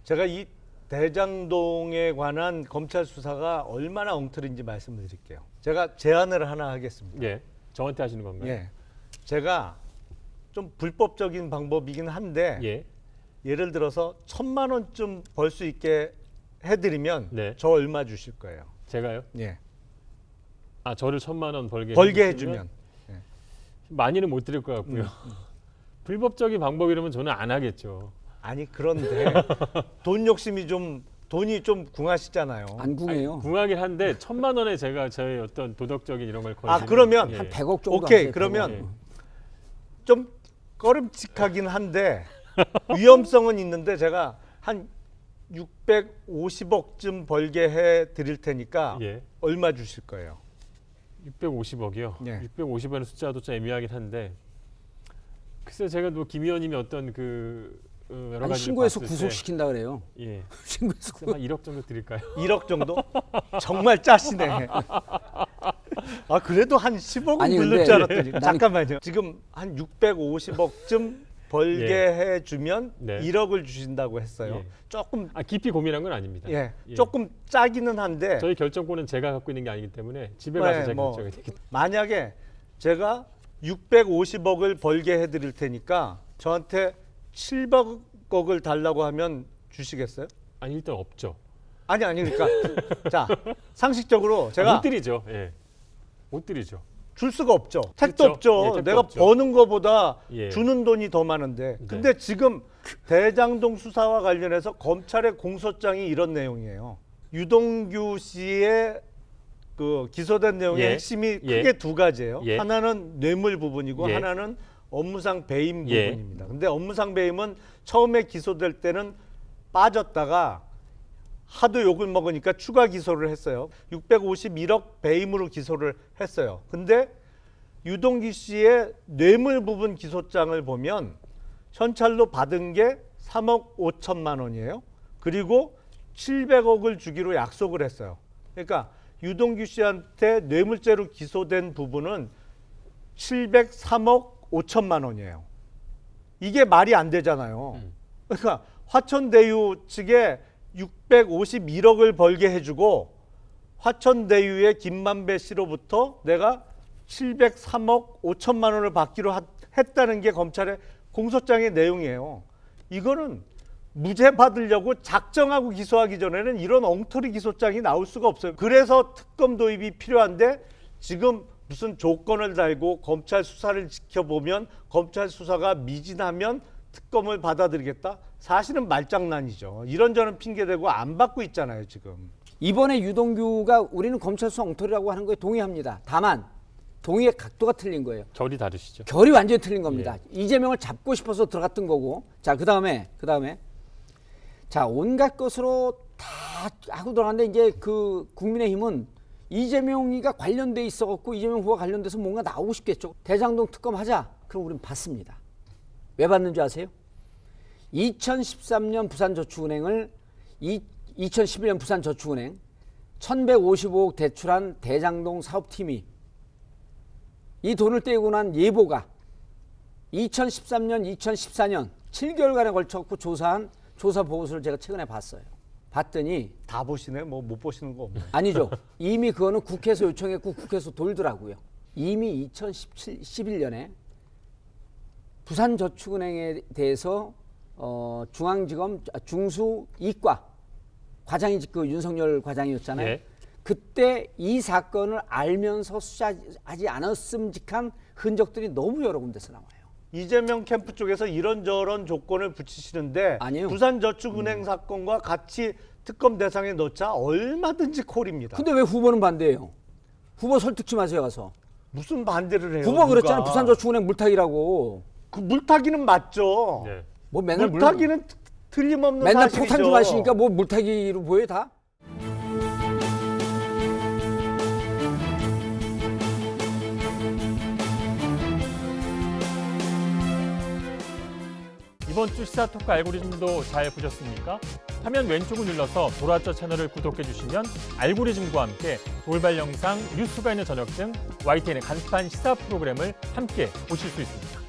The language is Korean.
제가 이 대장동에 관한 검찰 수사가 얼마나 엉터리인지 말씀을 드릴게요. 제가 제안을 하나 하겠습니다. 예, 저한테 하시는 건가요? 예, 제가 좀 불법적인 방법이긴 한데 예. 예를 들어서 1,000만 원쯤 벌 수 있게 해드리면 네. 저 얼마 주실 거예요? 제가요? 예, 아, 저를 1,000만 원 벌게 해주면 많이는 못 드릴 것 같고요. 불법적인 방법이라면 저는 안 하겠죠. 아니 그런데 돈이 좀 궁하시잖아요. 안 궁해요. 궁하긴 한데 1,000만 원에 제가 저의 어떤 도덕적인 이런 걸 걸지는. 그러면 예. 한 100억 정도 오케이 하세요, 그러면 100억. 좀 꺼름칙하긴 한데 위험성은 있는데 제가 한 650억쯤 벌게 해 드릴 테니까 예. 얼마 주실 거예요? 650억이요. 예. 650억의 숫자도 좀 애매하긴 한데 글쎄 제가 뭐 김 의원님이 어떤 그 여러 아니, 가지 신고해서 구속시킨다 그래요. 예. 신고해서 한 1억 정도 드릴까요? 1억 정도? 정말 짜시네. 아 그래도 한 10억은 아니, 부를 근데 줄 알았더니 나는- 잠깐만요. 지금 한 650억쯤 벌게 예. 해주면 네. 1억을 주신다고 했어요. 예. 조금 깊이 고민한 건 아닙니다. 예, 예. 조금 짜기는 한데 저희 결정권은 제가 갖고 있는 게 아니기 때문에 집에 네, 가서 제가 뭐 결정이 되기 때문에. 만약에 제가 650억을 벌게 해드릴 테니까 저한테 700억을 달라고 하면 주시겠어요? 아니 일단 없죠. 아니 그러니까 자 상식적으로 제가 못 드리죠. 예. 못 드리죠. 줄 수가 없죠. 택도 그렇죠. 없죠. 예, 택도 내가 없죠. 버는 거보다 예. 주는 돈이 더 많은데. 네. 근데 지금 대장동 수사와 관련해서 검찰의 공소장이 이런 내용이에요. 유동규 씨의 그 기소된 내용의 예. 핵심이 예. 크게 두 가지예요. 예. 하나는 뇌물 부분이고 예. 하나는 업무상 배임 예. 부분입니다. 근데 업무상 배임은 처음에 기소될 때는 빠졌다가 하도 욕을 먹으니까 추가 기소를 했어요. 651억 배임으로 기소를 했어요. 근데 유동규 씨의 뇌물 부분 기소장을 보면 현찰로 받은 게 3억 5천만 원이에요. 그리고 700억을 주기로 약속을 했어요. 그러니까 유동규 씨한테 뇌물죄로 기소된 부분은 703억 5천만 원이에요. 이게 말이 안 되잖아요. 그러니까 화천대유 측에 651억을 벌게 해주고 화천대유의 김만배 씨로부터 내가 703억 5천만 원을 받기로 했다는 게 검찰의 공소장의 내용이에요. 이거는 무죄 받으려고 작정하고 기소하기 전에는 이런 엉터리 기소장이 나올 수가 없어요. 그래서 특검 도입이 필요한데 지금 무슨 조건을 달고 검찰 수사를 지켜보면 검찰 수사가 미진하면 특검을 받아들이겠다? 사실은 말장난이죠. 이런저런 핑계대고 안 받고 있잖아요, 지금. 이번에 유동규가 우리는 검찰 수사 엉터리라고 하는 거에 동의합니다. 다만 동의의 각도가 틀린 거예요. 결이 다르시죠. 결이 완전히 틀린 겁니다. 이재명을 잡고 싶어서 들어갔던 거고. 자, 그다음에 자, 온갖 것으로 다 하고 들어갔는데 이제 그 국민의힘은 이재명이가 관련돼 있어 갖고 이재명 후보가 관련돼서 뭔가 나오고 싶겠죠. 대장동 특검 하자. 그럼 우리는 받습니다. 왜 받는 줄 아세요? 2013년 부산저축은행을 2011년 부산저축은행 1,155억 대출한 대장동 사업팀이 이 돈을 떼고 난 예보가 2013년, 2014년 7개월간에 걸쳐서 조사한 조사 보고서를 제가 최근에 봤어요. 봤더니 다 보시네? 뭐 못 보시는 거 없나요? 아니죠. 이미 그거는 국회에서 요청했고 국회에서 돌더라고요. 이미 2011년에 부산저축은행에 대해서 중앙지검 중수 이과 과장이 그 윤석열 과장이었잖아요. 예. 그때 이 사건을 알면서 수사하지 않았음직한 흔적들이 너무 여러 군데서 나와요. 이재명 캠프 쪽에서 이런저런 조건을 붙이시는데 아니요. 부산저축은행 사건과 같이 특검 대상에 넣자 얼마든지 콜입니다. 근데 왜 후보는 반대해요? 후보 설득 좀 하세요 가서. 무슨 반대를 해요? 후보가 그랬잖아요. 누가. 부산저축은행 물타기라고. 그 물타기는 맞죠. 네. 뭐 맨날 물타기는 틀림없는 맨날 사실이죠. 폭탄 좀 하시니까 뭐 물타기로 보여 다? 이번 주 시사토크 알고리즘도 잘 보셨습니까? 화면 왼쪽을 눌러서 돌아왔죠 채널을 구독해 주시면 알고리즘과 함께 돌발 영상, 뉴스가 있는 저녁 등 YTN의 간판 시사 프로그램을 함께 보실 수 있습니다.